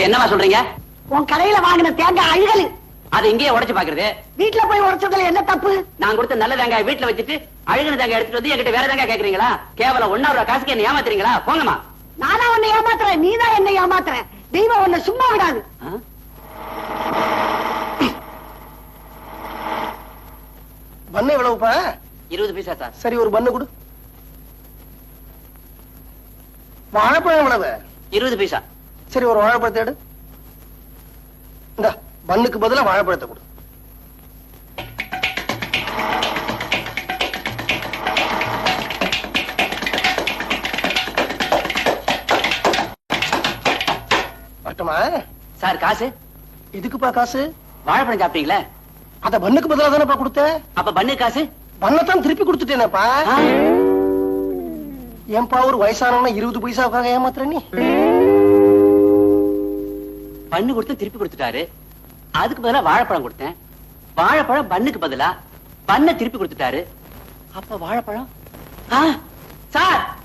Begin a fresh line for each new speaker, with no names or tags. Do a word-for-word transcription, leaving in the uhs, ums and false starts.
என்னவா சொல்றீங்க?
உன் கடையில வாங்கின தேங்காய் அழுகலு.
அது இங்கேயே உடைச்சு பாக்குறது.
வீட்டுல போய் உடைச்சதுல என்ன தப்பு?
நான் கொடுத்த நல்ல தேங்காய் வீட்டுல வச்சுட்டு அழுகின தேங்காய் எடுத்துட்டு வந்து என்கிட்ட வேற தேங்காய் கேக்குறீங்களா? கேவலம் ஒன்னா ரூபா காசுக்கு என்ன ஏமாத்துறீங்களா? போங்கம்மா.
நானா உன்னை ஏமாத்துறேன், நீதான் என்ன ஏமாத்துற. தெய்வம் உன்னை சும்மா விடாது.
பண்ணு எவ்வளவுப்பா?
இருபது பைசா சார்.
சரி, ஒரு பண்ணு கொடு. வாழைப்பழம் எவ்வளவு?
இருபது பைசா.
சரி, ஒரு வாழைப்பழத்தை எடு. இந்த பண்ணுக்கு பதிலா வாழைப்பழத்தை கொடு. வட்டமா
சார் காசு?
எதுக்குப்பா காசு?
வாழைப்பழம் சாப்பிட்டீங்களா?
அத பண்ணுக்கு பதிலா தானப்பா கொடுத்த.
அப்ப பண்ணு காசு?
பண்ணத்தான் திருப்பி கொடுத்துட்டேனப்பா. ஏன்பா ஒரு வயசானவன இருபது பைசாவுக்காக ஏமாத்துற நீ?
பண்ணு கொடுத்து திருப்பி கொடுத்துட்டாரு. அதுக்கு பதிலா வாழைப்பழம் கொடுத்தேன். வாழைப்பழம் பண்ணுக்கு பதிலா பண்ண திருப்பி கொடுத்துட்டாரு. அப்ப வாழைப்பழம் சார்